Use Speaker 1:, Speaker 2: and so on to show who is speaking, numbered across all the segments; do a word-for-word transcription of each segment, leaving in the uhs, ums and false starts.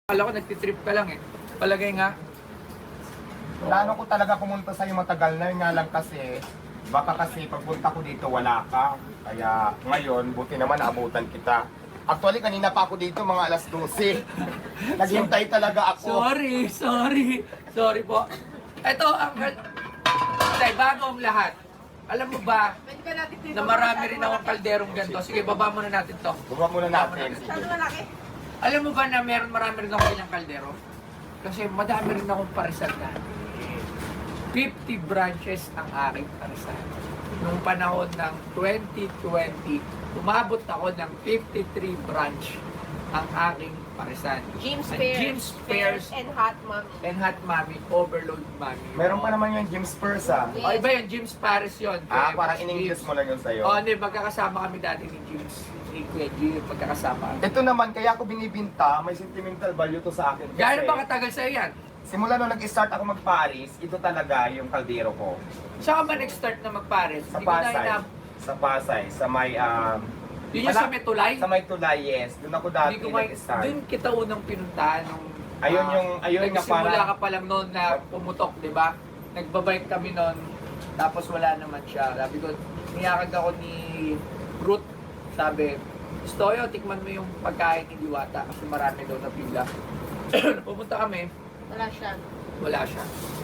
Speaker 1: Akala ko nagtitrip ka lang eh. Palagay nga.
Speaker 2: Plano ko talaga pumunta sa'yo matagal na, yun nga lang kasi, baka kasi pagpunta ko dito wala ka. Kaya ngayon, buti naman naabutan kita. Actually, kanina pa ako dito, mga alas dose. Naghintay talaga ako.
Speaker 1: Sorry, sorry. Sorry po. Ito ang... Tay, bago ang lahat. Alam mo ba na marami rin akong kalderong ganito? Sige, baba muna natin to.
Speaker 2: Baba muna natin. Sige.
Speaker 1: Alam mo ba na meron marami rin akong ilang kaldero? Kasi madami rin akong parisan na. fifty branches ang aking parisan. Noong panahon ng twenty twenty, umabot ako ng fifty-three branch ang aking parisan.
Speaker 3: Jim's
Speaker 1: Ang
Speaker 3: Fairs.
Speaker 1: Jim's Fairs
Speaker 3: and Hot Mommy.
Speaker 1: and Hot Mommy, Overload Mommy.
Speaker 2: Meron pa naman yung Jim's Purse ah.
Speaker 1: O iba yun, Jim's Paris yun.
Speaker 2: Ah,
Speaker 1: Kaya
Speaker 2: parang
Speaker 1: Jim's.
Speaker 2: in-English mo lang yun sa'yo.
Speaker 1: O, hindi, magkakasama kami dati ni Jim's. Ni Kuya G, magkakasama.
Speaker 2: Ito naman, kaya ako binibinta, may sentimental value to sa akin. Kasi
Speaker 1: Gano'n ba katagal sa'yo yan?
Speaker 2: simula nung nag-start ako mag-Paris, ito talaga yung kaldero ko.
Speaker 1: Saan ka ba nag-start na mag-Paris?
Speaker 2: Sa
Speaker 1: Hindi ko na
Speaker 2: Pasay.
Speaker 1: inab-
Speaker 2: Sa Pasay, sa may... Um,
Speaker 1: Yun yung sa Metulay?
Speaker 2: Sa may tulay, yes. Doon ako dati
Speaker 1: Hindi ko may,
Speaker 2: nag-start.
Speaker 1: doon kita unang pinuntahan nung
Speaker 2: Ayun
Speaker 1: ah,
Speaker 2: yung- ayun nga
Speaker 1: nagsimula
Speaker 2: parang-
Speaker 1: ka pa lang noon na pumutok, di ba? Nagbabike kami noon, tapos wala naman siya. Sabi ko, niyakag ako ni Ruth, sabi, Stoyo, tikman mo yung pagkain ni Diwata kasi marami daw na pila. Pumunta kami,
Speaker 3: Wala siya.
Speaker 1: wala siya.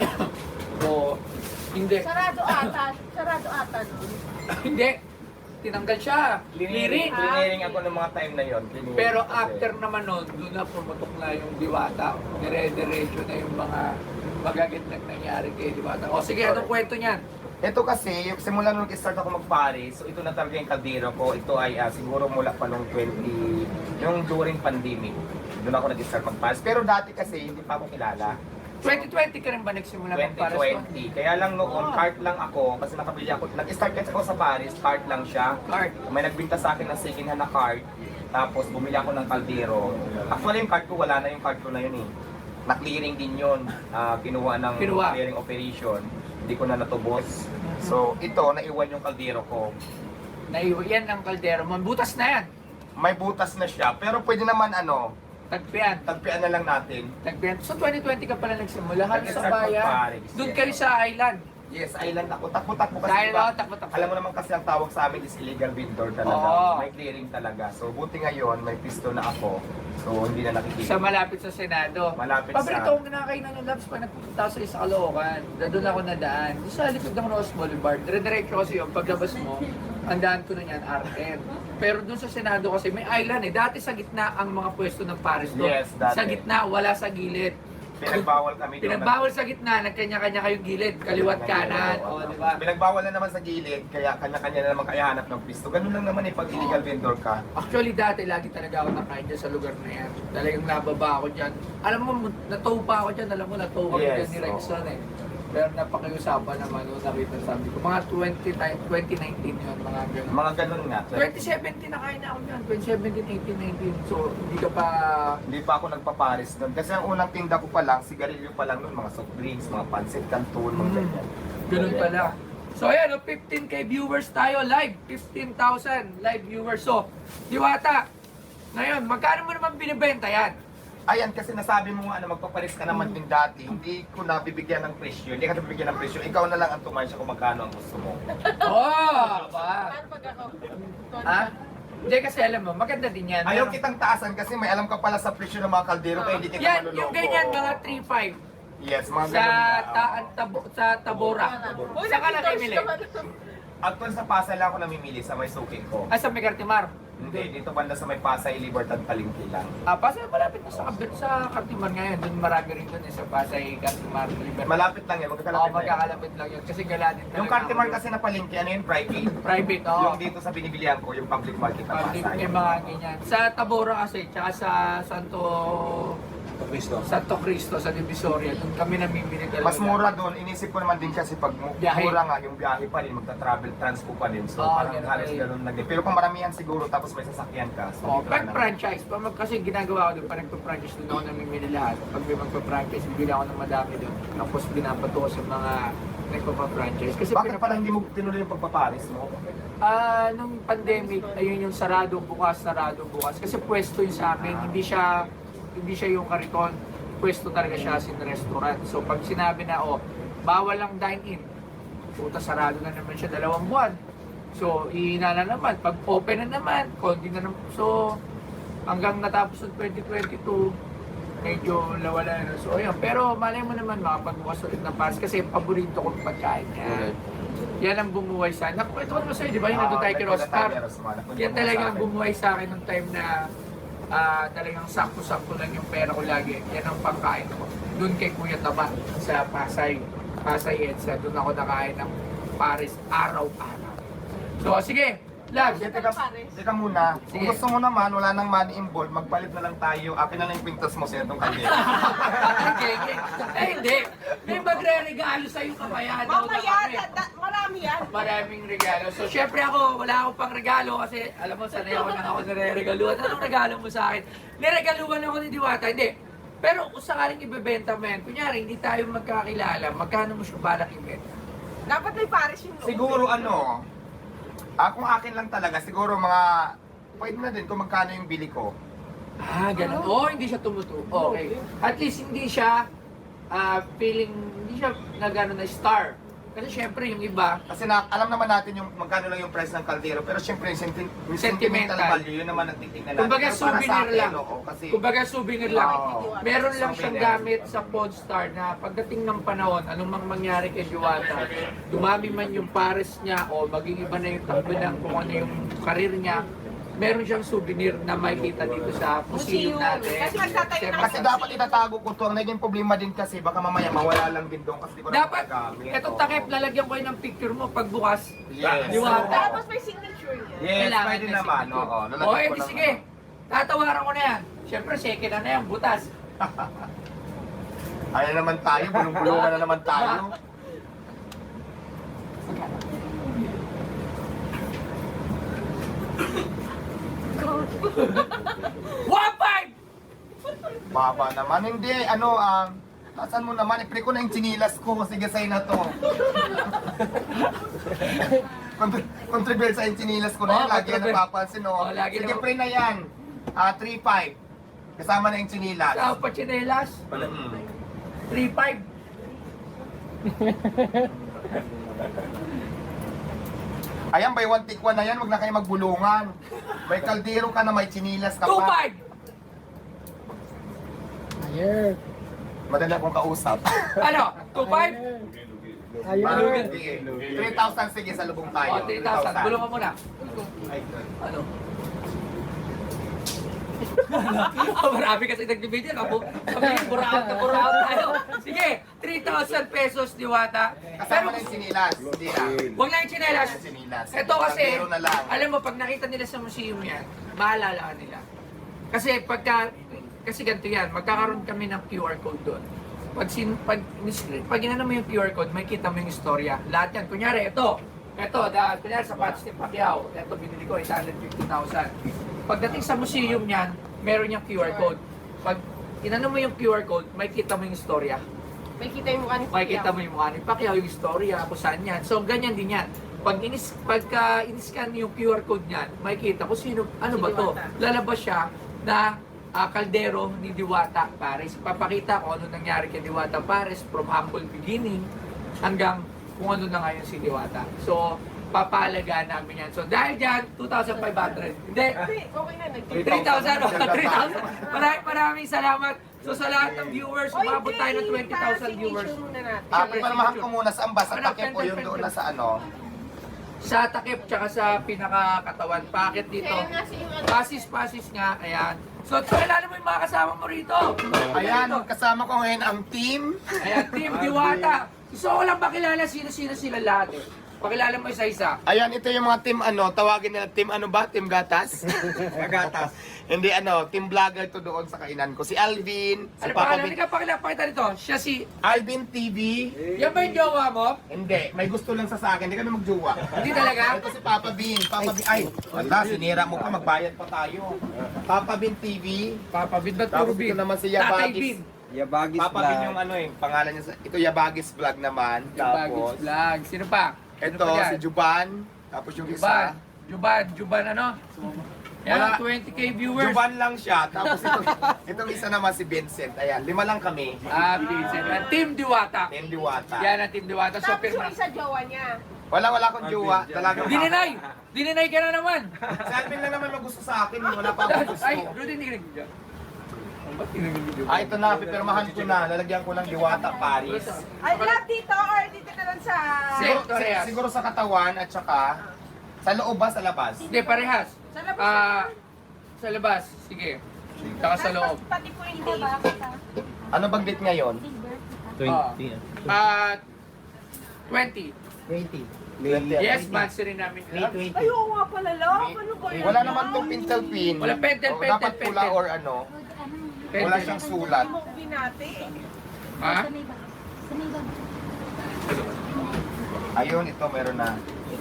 Speaker 1: So, hindi.
Speaker 3: Sarado ata. Sarado ata nun.
Speaker 1: Hindi. Tinanggal siya. Liring.
Speaker 2: Clearing ako ng mga time na yon. Clearing
Speaker 1: Pero
Speaker 2: kasi.
Speaker 1: after naman nun, doon na pumutok na yung Diwata. Dire-diretso na yung mga magagandang nangyari kay Diwata. O sige, anong kwento niyan?
Speaker 2: Ito kasi, yung simula nung nag-start ako mag-Paris, so ito na talaga yung kaldero ko. Ito ay ah, siguro mula pa nung twenty, yung during pandemic. Doon ako nag-start mag-Paris. Pero dati kasi, hindi pa ako kilala.
Speaker 1: twenty twenty ka rin ba nagsimula mag Paris?
Speaker 2: twenty twenty. Kaya lang noon,
Speaker 1: Oh.
Speaker 2: cart lang ako kasi nakabili ako. Nag-start kasi ako sa Paris, cart lang siya.
Speaker 1: Cart.
Speaker 2: May nagbinta sa akin ng second hand na cart. Tapos bumili ako ng kaldero. Actually yung cart ko, wala na yung cart ko na yun eh. Na-clearing din yun. Ah, kinuha ng
Speaker 1: Kinuha.
Speaker 2: clearing operation. Hindi ko na natubos. So ito, naiwan yung kaldero ko.
Speaker 1: Naiwan yan ang kaldero mo. Butas na yan.
Speaker 2: May butas na siya. Pero pwede naman ano,
Speaker 1: Tagpian.
Speaker 2: tagpian na lang natin.
Speaker 1: Tagpian. So twenty twenty ka pala nagsimula. Halos sa
Speaker 2: Nag-start
Speaker 1: bayan.
Speaker 2: mag-Paris,
Speaker 1: Doon
Speaker 2: yes.
Speaker 1: kayo sa island.
Speaker 2: Yes, island ako. Takbo-takbo kasi
Speaker 1: Dahil
Speaker 2: diba,
Speaker 1: ako, takbo-takbo.
Speaker 2: alam mo naman kasi ang tawag sa amin is illegal vendor talaga.
Speaker 1: Oo.
Speaker 2: May clearing talaga. So buti ngayon, may pisto na ako. So hindi na nakikita.
Speaker 1: Sa malapit sa Senado.
Speaker 2: Malapit
Speaker 1: Paborito
Speaker 2: sa-
Speaker 1: kong kinakainan ng labs pag nagpunta ako sa isa Caloocan. Doon ako nadaan. Doon sa likod ng Rose Boulevard. Dire-diretso kasi yung paglabas mo, ang daan ko na yan, R M. Pero doon sa Senado kasi may island eh. Dati sa gitna ang mga pwesto ng Paris doon.
Speaker 2: Yes, dati.
Speaker 1: Sa gitna, wala sa gilid.
Speaker 2: Pinagbawal kami doon.
Speaker 1: Pinagbawal sa gitna, nagkanya-kanya kayong gilid, kaliwat kanan, o di ba?
Speaker 2: Pinagbawal na naman sa gilid, kaya kanya-kanya na naman kaya hanap ng pisto. Ganun lang naman eh pag illegal vendor ka.
Speaker 1: Actually, dati lagi talaga ako nakain dyan sa lugar na yan. Talagang nababa ako dyan. Alam mo, natow pa ako dyan. Alam mo, natow ako
Speaker 2: Yes,
Speaker 1: dyan ni Rexon eh. Pero napakiusapan naman nung nakita sabi ko. Mga twenty nineteen yun, mga ganun.
Speaker 2: Mga ganun nga.
Speaker 1: twenty seventeen nakain na ako dyan. twenty seventeen, eighteen, nineteen. So, hindi ka pa...
Speaker 2: Hindi pa ako nagpa-Paris doon. Kasi ang unang tinda ko pa lang, sigarilyo pa lang noon, mga soft drinks, mga pancit canton, mga
Speaker 1: Mm.
Speaker 2: ganyan.
Speaker 1: Ganun pala. So ayan, oh, fifteen K viewers tayo live. fifteen thousand live viewers. So, Diwata, ngayon, magkano mo naman binibenta yan?
Speaker 2: Ayan, kasi nasabi mo nga na magpapalis ka naman din dati, hindi ko na bibigyan ng presyo, hindi ka bibigyan ng presyo, ikaw na lang ang tumansya kung magkano ang gusto mo.
Speaker 1: Oh! Ba?
Speaker 3: Paano pag ako?
Speaker 1: Ha? Hindi kasi alam mo, maganda din yan.
Speaker 2: Ayaw
Speaker 1: Meron-
Speaker 2: kitang taasan kasi may alam ka pala sa presyo ng mga kaldero kaya hindi kita
Speaker 1: Yan,
Speaker 2: manuloko.
Speaker 1: yung ganyan, mga three five.
Speaker 2: Yes, mga
Speaker 1: Sa,
Speaker 2: ganun na.
Speaker 1: ta, tabo, sa Tabora.
Speaker 3: Uy,
Speaker 1: Saan ka
Speaker 3: nakita
Speaker 1: nakimili?
Speaker 3: siya.
Speaker 2: Actually sa Pasay lang ako namimili sa may suki ko.
Speaker 1: Ah, sa Megartimar.
Speaker 2: Hindi, dito banda sa may Pasay, Libertad, Palengke lang.
Speaker 1: Ah, Pasay, malapit na sa kabit sa Cartimar ngayon. Doon marami rin doon eh, sa Pasay, Cartimar, Libertad.
Speaker 2: Malapit lang yan,
Speaker 1: Oo,
Speaker 2: magkakalapit lang yan.
Speaker 1: magkakalapit lang yun. Kasi gala din talaga.
Speaker 2: Yung Cartimar kasi na Palengke, ano yun, private?
Speaker 1: Private, oo.
Speaker 2: Yung dito sa binibilihan ko, yung public market na
Speaker 1: Public,
Speaker 2: Pasay.
Speaker 1: may mga ganyan. Sa Tabora kasi, tsaka sa Santo...
Speaker 2: Cristo.
Speaker 1: Santo Cristo, sa Divisoria. Doon kami namimili talaga.
Speaker 2: Mas mura doon, inisip ko naman din kasi pag mu-
Speaker 1: Biyahe.
Speaker 2: mura nga yung biyahe pa rin, magta-travel, transpo pa din. So
Speaker 1: Oo,
Speaker 2: parang
Speaker 1: ganun
Speaker 2: halos
Speaker 1: eh.
Speaker 2: ganun lang din. Pero kung maramihan siguro tapos may sasakyan ka, so
Speaker 1: Oh,
Speaker 2: dito
Speaker 1: pag
Speaker 2: na lang.
Speaker 1: franchise, pag mag, kasi ginagawa ko doon, pag nagpa-franchise doon ako namimili lahat. Pag may magpa-franchise, bibili ako ng madami doon. Tapos binapato ko sa mga nagpa-franchise. Kasi
Speaker 2: Bakit
Speaker 1: pinap-
Speaker 2: pala hindi mo tinuloy yung pagpaparis mo?
Speaker 1: Ah, nung pandemic, ayun yung sarado bukas, sarado bukas. Kasi pwesto yun sa amin, hindi siya hindi siya yung kariton, pwesto talaga siya as in restaurant. So pag sinabi na, oh, bawal lang dine-in, puta sarado na naman siya dalawang buwan. So, ihina na naman. Pag open na naman, konti na naman. So, hanggang natapos ng twenty twenty-two, medyo lawala na. So, ayun. Pero malay mo naman makapagbukas ulit ng pass kasi paborito kong pagkain niya. Yan ang bumuhay sa akin. Naku, ito naman sa'yo, di ba? Yung nandun tayo kay Rostar. Yan talaga ang bumuhay sa akin nung time na ah, talagang sakto-sakto lang yung pera ko lagi. Yan ang pagkain ko. Doon kay Kuya Taba sa Pasay. Pasay Edsa. Doon ako nakain ng Paris araw-araw. So, sige. Lag.
Speaker 2: Sige, teka, teka muna. Kung
Speaker 1: Sige.
Speaker 2: gusto mo naman, wala nang money involved, magpalit na lang tayo. Akin na lang yung pintas mo sa itong kanya.
Speaker 1: Okay, okay. Eh, hindi. May magre-regalo sa'yo kamaya daw na
Speaker 3: Mamaya,
Speaker 1: kami.
Speaker 3: da- da- marami yan.
Speaker 1: Maraming regalo. So, syempre ako, wala akong pang regalo kasi, alam mo, sanay ako nang ako nare-regaluhan. Anong regalo mo sa akin? Niregaluhan ako ni Diwata. Hindi. Pero kung sakaling ibebenta mo yan, kunyari, hindi tayo magkakilala, magkano mo siya balak ibenta?
Speaker 3: Dapat may pares yung loob.
Speaker 2: Siguro ano, ah, kung akin lang talaga, siguro mga, pwede na din kung magkano yung bili ko.
Speaker 1: Ah, ganun. Oo, oh, hindi siya tumutu. Okay. At least hindi siya ah, feeling, hindi siya na gano'n na star. Kasi syempre yung iba,
Speaker 2: Kasi na, alam naman natin yung magkano lang yung price ng kaldero, pero syempre yung, senti- yung sentimental,
Speaker 1: Sentimental.
Speaker 2: value, yun naman ang titignan natin.
Speaker 1: kumbaga
Speaker 2: Pero para sa
Speaker 1: souvenir
Speaker 2: akin,
Speaker 1: lang.
Speaker 2: oo, kasi,
Speaker 1: Kumbaga souvenir lang.
Speaker 2: Oo.
Speaker 1: Meron lang siyang
Speaker 2: Souvenir.
Speaker 1: gamit sa Podstar na pagdating ng panahon, anong mang mangyari kay Diwata, dumami man yung pares niya o maging iba na yung takbo ng kung ano yung karir niya, meron siyang souvenir na makikita dito sa museum
Speaker 3: Museum.
Speaker 1: natin.
Speaker 3: Kasi magtatayo
Speaker 1: Siyempre,
Speaker 2: kasi dapat itatago ko to. Ang naging problema din kasi, baka mamaya mawala lang din doon kasi di ko na
Speaker 1: dapat,
Speaker 2: magagamit.
Speaker 1: etong
Speaker 2: Oo.
Speaker 1: takip, lalagyan ko yun ng picture mo pagbukas.
Speaker 2: Yes.
Speaker 1: Diwata.
Speaker 3: Tapos may signature niya.
Speaker 2: Yes,
Speaker 1: Kailangan
Speaker 2: pwede
Speaker 1: may
Speaker 2: naman.
Speaker 1: signature.
Speaker 2: Oo,
Speaker 1: O,
Speaker 2: lalagyan ko
Speaker 1: edi
Speaker 2: lang
Speaker 1: sige.
Speaker 2: ano.
Speaker 1: Tatawaran ko na yan. Siyempre, second na na yan, butas.
Speaker 2: Ayan naman tayo, bulong-bulungan na naman tayo.
Speaker 1: one five!
Speaker 2: Baba naman. Hindi, ano, um, nasaan mo naman? I-pre ko na yung chinilas ko. Sige, sa'yo na to. Contri- Contribute sa yung chinilas ko na yan.
Speaker 1: Oo,
Speaker 2: Lagi yan
Speaker 1: contribute.
Speaker 2: napapansin, no?
Speaker 1: Oo, lagi
Speaker 2: Sige,
Speaker 1: na-
Speaker 2: pre na yan. Ah, three five. Kasama na yung chinilas.
Speaker 1: Sa Pachinelas,
Speaker 2: Mm.
Speaker 1: three five.
Speaker 2: Ayan, by one take one na yan. Huwag na kayo magbulungan. May kaldero ka na, may chinilas ka
Speaker 1: two
Speaker 2: pa.
Speaker 1: five.
Speaker 2: Madali akong kausap.
Speaker 1: Ano? two five?
Speaker 2: Ayun. three thousand, sige, sa lubong tayo.
Speaker 1: O, three thousand. Bulong ka muna. Ano? Oh, marami kasi nagbibigay ako. Sabi niya, buraot na buraot tayo. Sige, three thousand pesos, Diwata.
Speaker 2: Kasama na yung chinilas. Hindi na.
Speaker 1: Huwag na yung chinelas.
Speaker 2: Yung chinilas.
Speaker 1: Ito kasi,
Speaker 2: Kaldero na lang.
Speaker 1: alam mo, pag nakita nila sa museum yan, maalala ka nila. Kasi pagka, kasi ganito yan, magkakaroon kami ng Q R code doon. Pag, sin, pag, pag inano mo yung Q R code, may kita mo yung istorya. Lahat yan. Kunyari, ito. Ito, dahil kunyari sa Pats ni Pacquiao. Ito, binili ko, eight hundred fifty thousand. Pagdating sa museum niyan, meron yung Q R code. Pag inano mo yung Q R code, may kita mo yung istorya.
Speaker 3: May kita yung mukha ni
Speaker 1: Makikita mo yung mukha ni Pacquiao, yung istorya, kung saan yan. So, ganyan din yan. Pag inis, pagka in-scan yung Q R code niyan, makikita kung sino, ano
Speaker 3: Si
Speaker 1: ba to?
Speaker 3: Diwata.
Speaker 1: Lalabas siya na ah, kaldero ni Diwata Pares. Papakita kung ano nangyari kay Diwata Pares from humble beginning hanggang kung ano na ngayon si Diwata. So, papalagaan namin yan. So, dahil dyan, two thousand five hundred. Hindi,
Speaker 3: Hindi, okay na. nag-
Speaker 1: three thousand. oh, three thousand. Maraming maraming salamat. So, sa lahat ng viewers,
Speaker 3: Oy,
Speaker 1: umabot tayo ng
Speaker 3: Jay,
Speaker 1: twenty thousand
Speaker 3: para
Speaker 1: viewers.
Speaker 3: signature muna natin.
Speaker 2: Ah, pinamahan ko muna saan ba? Sa
Speaker 1: Ano,
Speaker 2: takip o yung
Speaker 1: pen,
Speaker 2: doon
Speaker 1: pen,
Speaker 2: na sa ano?
Speaker 1: Sa takip, tsaka sa pinakakatawan. Pakit dito.
Speaker 3: Kaya nga si yung ano.
Speaker 1: Pasis-pasis nga, ayan. So, kilala mo yung mga kasama mo rito.
Speaker 2: Ayan, kasama ko ngayon ang team.
Speaker 1: Ayan, Team Diwata. Gusto ko lang pakilala sino-sino sila lahat eh. Pakilala mo isa-isa.
Speaker 2: Ayan, ito yung mga team ano, tawagin nila team ano ba? Team Gatas? Gatas. Hindi ano, team vlogger to doon sa kainan ko. Si Alvin, si
Speaker 1: Ano
Speaker 2: Papa
Speaker 1: pakilala
Speaker 2: Vin.
Speaker 1: ka? Pakilala, pakita nito. Siya si...
Speaker 2: Alvin T V.
Speaker 1: Yan ba yung jowa mo?
Speaker 2: Hindi, may gusto lang sa sa akin. Hindi kami magjowa.
Speaker 1: Hindi talaga?
Speaker 2: Ito si Papa Bin. Papa Bin. Ay, wala, sinira mo pa, magbayad pa tayo. Papa Bin T V.
Speaker 1: Papa Bin, ba't
Speaker 2: Tapos
Speaker 1: puro Bin?
Speaker 2: ito naman si
Speaker 1: Tatay
Speaker 2: Yabagis.
Speaker 1: Bin.
Speaker 4: Yabagis
Speaker 2: Papa Bin yung ano eh, pangalan niya sa... Ito Yabagis Vlog naman.
Speaker 1: Bagis
Speaker 2: Tapos,
Speaker 1: Vlog. Sino pa? Sino
Speaker 2: ito
Speaker 1: pa dyan?
Speaker 2: si Juban. Tapos yung
Speaker 1: Juban.
Speaker 2: isa.
Speaker 1: Juban. Juban ano? Yan,
Speaker 2: Wala.
Speaker 1: twenty K viewers.
Speaker 2: Juban lang siya. Tapos itong, itong isa naman si Vincent. Ayan, lima lang kami.
Speaker 1: Ah, Vincent. Ah, Team Diwata.
Speaker 2: Team Diwata.
Speaker 1: Yan ang Team Diwata. So,
Speaker 3: Tapos
Speaker 1: pirma.
Speaker 3: yung isa jowa niya.
Speaker 2: Wala, wala akong jowa. Talagang
Speaker 1: Dininay! Dininay ka na naman!
Speaker 2: Si Alvin lang naman magusto sa akin. Wala pa akong gusto.
Speaker 1: Ay, Rudy, hindi ka nag-video. Ba't hindi nag-video?
Speaker 2: Ah, ito na. Pipirmahan ko na. Lalagyan ko ng Diwata Paris.
Speaker 3: Ay, love dito or dito na lang sa...
Speaker 1: Siguro,
Speaker 2: Siguro,
Speaker 1: parehas.
Speaker 2: siguro sa katawan at saka sa loob ba, sa labas?
Speaker 1: Hindi, parehas.
Speaker 3: Sa labas.
Speaker 1: Ah, sa labas. Sige. Saka sa loob.
Speaker 3: Pati po yung date.
Speaker 2: Ano bang date ngayon?
Speaker 4: twenty.
Speaker 1: Ah, twenty.
Speaker 4: twenty.
Speaker 1: Yes, monthsary namin.
Speaker 4: May twenty.
Speaker 3: Ay, oo nga pala, love. Ano ba yan?
Speaker 2: Wala naman tong pintel pin.
Speaker 1: Wala pentel,
Speaker 2: O,
Speaker 1: pentel,
Speaker 2: dapat pula
Speaker 1: pentel.
Speaker 2: or ano. Wala
Speaker 1: Pentel.
Speaker 2: siyang sulat.
Speaker 3: Mo binati.
Speaker 1: Ha?
Speaker 2: Ayun, ito meron na.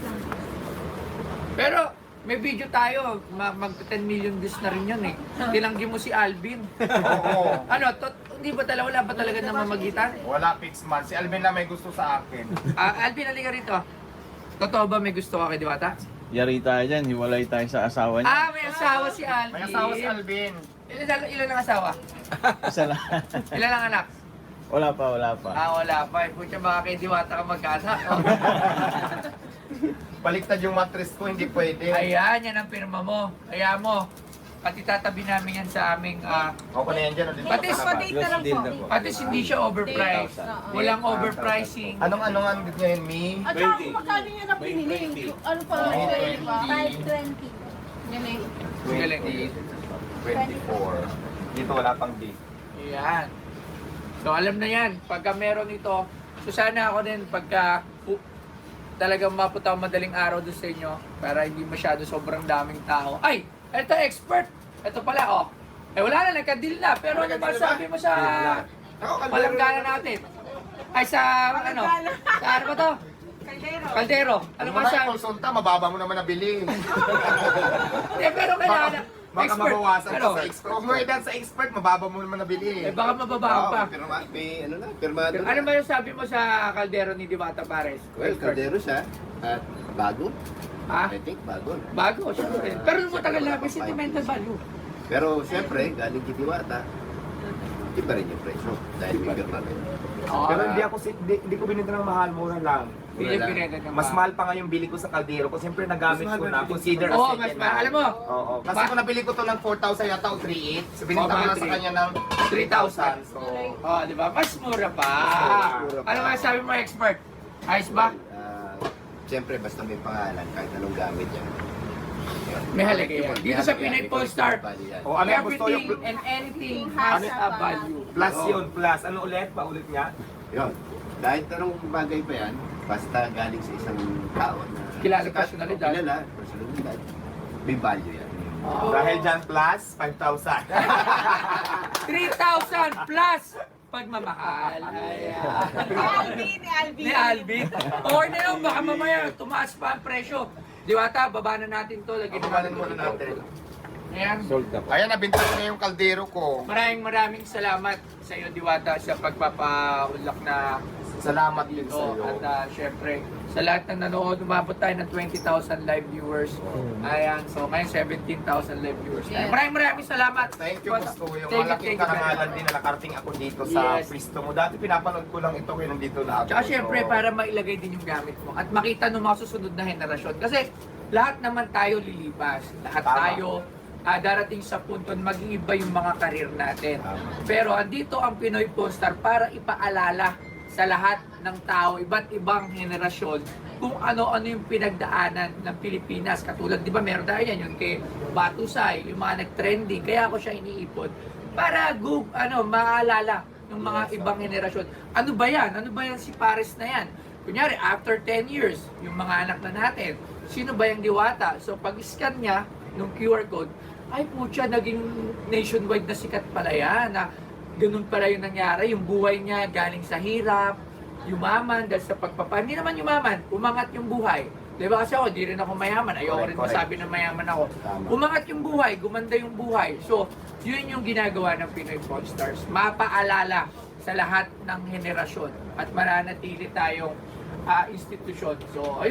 Speaker 1: Pero, may video tayo. Ma- mag ten million views na rin yun eh. Tilanggi mo si Alvin.
Speaker 2: Oo.
Speaker 1: Ano, to, hindi ba talaga, wala ba talaga namamagitan?
Speaker 2: Wala fixed man. Si Alvin na may gusto sa akin.
Speaker 1: Ah, Alvin, halika rito. Totoo ba may gusto ka kay Diwata?
Speaker 4: Yari tayo dyan, hiwalay tayo sa asawa niya.
Speaker 1: Ah, may asawa si Alvin.
Speaker 2: May asawa si Alvin.
Speaker 1: Ilan, ilan ang asawa?
Speaker 4: Isa lang.
Speaker 1: Ilan ang anak?
Speaker 4: Wala pa, wala pa.
Speaker 1: Ah, wala pa. Pucha, baka kay Diwata ka magkaanak. Oh.
Speaker 2: Baliktad yung mattress ko, hindi pwede.
Speaker 1: Ayan, yan ang pirma mo. Ayan mo. Pati tatabi namin yan sa aming... ah,
Speaker 2: Ako na yan dyan. o, dito
Speaker 1: Pati
Speaker 2: sa
Speaker 1: sa
Speaker 2: labas.
Speaker 3: date na lang po.
Speaker 1: pati hindi siya overpriced. Walang overpricing.
Speaker 2: Anong ano nga ang date ngayon, Mi?
Speaker 3: At saka kung magkano niya na pinili. Ano pa lang
Speaker 2: May
Speaker 3: ito, di ba?
Speaker 2: twenty.
Speaker 5: twenty.
Speaker 3: Yan eh.
Speaker 1: Galing.
Speaker 2: twenty-four. Dito wala pang date.
Speaker 1: Ayan. So alam na yan, pagka meron ito, so sana ako din pagka uh, talagang mapunta ako madaling araw doon sa inyo para hindi masyado sobrang daming tao. Ay! Ito expert! Ito pala oh. Eh wala na, nagka-deal na. Pero ano ba sabi mo sa palanggana natin? Ay sa ano? Sa ano ba to?
Speaker 3: Kaldero.
Speaker 1: Kaldero. Ano ba
Speaker 2: Ano
Speaker 1: sa...
Speaker 2: sa konsulta, mababa mo naman nabili.
Speaker 1: Eh pero kailangan...
Speaker 2: Baka
Speaker 1: Expert.
Speaker 2: mabawasan
Speaker 1: Ano?
Speaker 2: pa sa expert. Huwag mo idan sa expert, mababa mo naman nabili.
Speaker 1: Eh baka mababahan pa.
Speaker 6: Pero ma- may ano na, pirmado
Speaker 1: Ano ba yung sabi mo sa kaldero ni Diwata Pares?
Speaker 6: Well, kaldero siya. At bago.
Speaker 1: Ha?
Speaker 6: I think bago.
Speaker 1: Bago, syempre. Pero matagal na, may sentimental value.
Speaker 6: Pero siyempre, galing kay Diwata, iba rin yung presyo. Dahil may pirmado.
Speaker 2: Pero hindi ako, si- hindi, hindi ko binenta ng mahal, mura lang.
Speaker 1: Hindi yung pinenta niya.
Speaker 2: Mas mahal pa nga yung bili ko sa kaldero ko. Siyempre nagamit
Speaker 6: Mas
Speaker 2: ko
Speaker 6: mahal
Speaker 2: na.
Speaker 6: ba?
Speaker 2: Consider as
Speaker 1: Oo,
Speaker 2: second
Speaker 1: mas
Speaker 2: hand.
Speaker 1: mahal. Alam mo,
Speaker 2: Oo. Kasi
Speaker 1: Ma-
Speaker 2: kung nabili ko to ng four thousand yata o three eight, so binenta
Speaker 1: Oo,
Speaker 2: ko
Speaker 1: mga
Speaker 2: na sa
Speaker 1: three.
Speaker 2: kanya ng three thousand. So,
Speaker 1: oh, di ba? Mas mura pa.
Speaker 6: mura pa.
Speaker 1: Ano nga sabi mo, expert? Ayos ba?
Speaker 6: Ah, siyempre, basta may pangalan, kahit anong gamit yan. Yun.
Speaker 1: May halaga yan. Dito sa Pinoy Polestar,
Speaker 6: Bali yan.
Speaker 2: o ano yung gusto yung
Speaker 1: everything and anything has
Speaker 3: Ano-
Speaker 1: a value.
Speaker 2: plus yun, plus. Ano ulit? Paulit nga?
Speaker 6: Yun. Dahil tanong bagay pa yan, basta galing sa isang tao na
Speaker 1: Kilala
Speaker 6: sikat,
Speaker 1: personalidad.
Speaker 6: o Kilala, personalidad. May value yan.
Speaker 2: Dahil dyan plus, five thousand.
Speaker 1: three thousand plus pagmamahal. Ayan.
Speaker 3: Ni Alvin, ni Alvin.
Speaker 1: Ni Alvin. Or na yun, baka mamaya tumaas pa ang presyo. Diwata, baba na natin to. Lagyan na
Speaker 2: Ibabalan
Speaker 1: natin
Speaker 2: muna natin.
Speaker 1: Ayan.
Speaker 2: Ayan, nabinta ko na yung kaldero ko.
Speaker 1: Maraming maraming salamat sa iyo, Diwata, sa pagpapaulak na
Speaker 2: Salamat din
Speaker 1: dito.
Speaker 2: sa iyo.
Speaker 1: At ah, syempre, sa lahat ng nanood, umabot tayo ng twenty thousand live viewers. Ayan, so ngayon seventeen thousand live viewers. tayo.
Speaker 3: Yes.
Speaker 1: Maraming maraming salamat.
Speaker 2: Thank you, gusto ko. Yung
Speaker 1: Thank you,
Speaker 2: malaking
Speaker 1: thank you very
Speaker 2: karangalan
Speaker 1: much.
Speaker 2: din na nakarating ako dito sa
Speaker 1: Yes.
Speaker 2: pwesto mo. Dati pinapanood ko lang ito kaya nandito na ako.
Speaker 1: Tsaka syempre,
Speaker 2: So,
Speaker 1: para mailagay din yung gamit mo at makita ng mga susunod na henerasyon. Kasi lahat naman tayo lilipas. Lahat
Speaker 2: Tama.
Speaker 1: tayo ah, darating sa punto na mag-iiba yung mga karir natin. Pero andito ang Pinoy Polestar para ipaalala sa lahat ng tao, iba't ibang henerasyon, kung ano-ano yung pinagdaanan ng Pilipinas. Katulad, di ba, meron tayo yan, yung kay Batusay, yung mga nag-trending. Kaya ako siya iniipon para gu- ano, maalala ng mga ibang henerasyon. Ano ba yan? Ano ba yan si Pares na yan? Kunyari, after ten years, yung mga anak na natin, sino ba yung Diwata? So, pag-scan niya, nung Q R code, ay putya, naging nationwide na sikat pala yan. Na ganun pala yung nangyari. Yung buhay niya galing sa hirap, yumaman dahil sa pagpapa. Hindi naman yumaman, umangat yung buhay. Di ba kasi ako, di rin ako mayaman. Ayoko rin
Speaker 2: Correct, correct.
Speaker 1: masabi na mayaman ako.
Speaker 6: Tama.
Speaker 1: Umangat yung buhay, gumanda yung buhay. So, yun yung ginagawa ng Pinoy Polestars. Mapaalala sa lahat ng henerasyon at mananatili tayong ah, institusyon. So, ayun.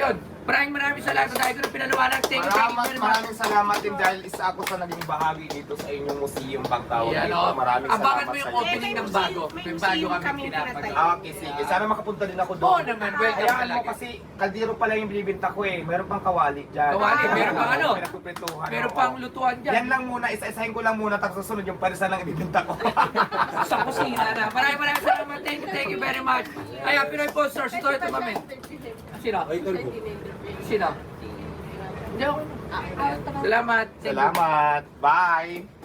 Speaker 1: Maraming maraming salamat dahil ko na pinaliwanag. Thank you, thank you
Speaker 2: Maraming,
Speaker 1: very much.
Speaker 2: maraming salamat din dahil isa ako sa naging bahagi dito sa inyong museum Bangkawan.
Speaker 1: Yan,
Speaker 2: dito.
Speaker 1: oh.
Speaker 2: Maraming
Speaker 1: Abangan
Speaker 2: salamat
Speaker 1: mo yung
Speaker 2: sa inyo.
Speaker 1: opening ng bago.
Speaker 3: May
Speaker 1: May bago
Speaker 3: museum
Speaker 1: kami
Speaker 3: kaming
Speaker 1: pinapagawa.
Speaker 3: pinatay.
Speaker 2: Ah, okay, sige. Sana makapunta din ako doon.
Speaker 1: Oo naman, welcome
Speaker 2: Hayaan mo
Speaker 1: talaga.
Speaker 2: kasi kaldero pala yung binibinta ko eh. Meron pang kawali dyan.
Speaker 1: Kawali, meron pang ano?
Speaker 2: Pinagpipintuhan,
Speaker 1: Pero
Speaker 2: oo.
Speaker 1: pang lutuan dyan.
Speaker 2: Yan lang muna, isa-isahin ko lang muna tapos susunod yung parisan lang ibibinta ko.
Speaker 1: Sa kusina na. Maraming maraming salamat. Thank you, thank you very much. Ayan, Pinoy Posters. Ito, ito, mami. Sino? Sino? Hindi ako. Salamat. Thank you.
Speaker 2: Salamat. Bye.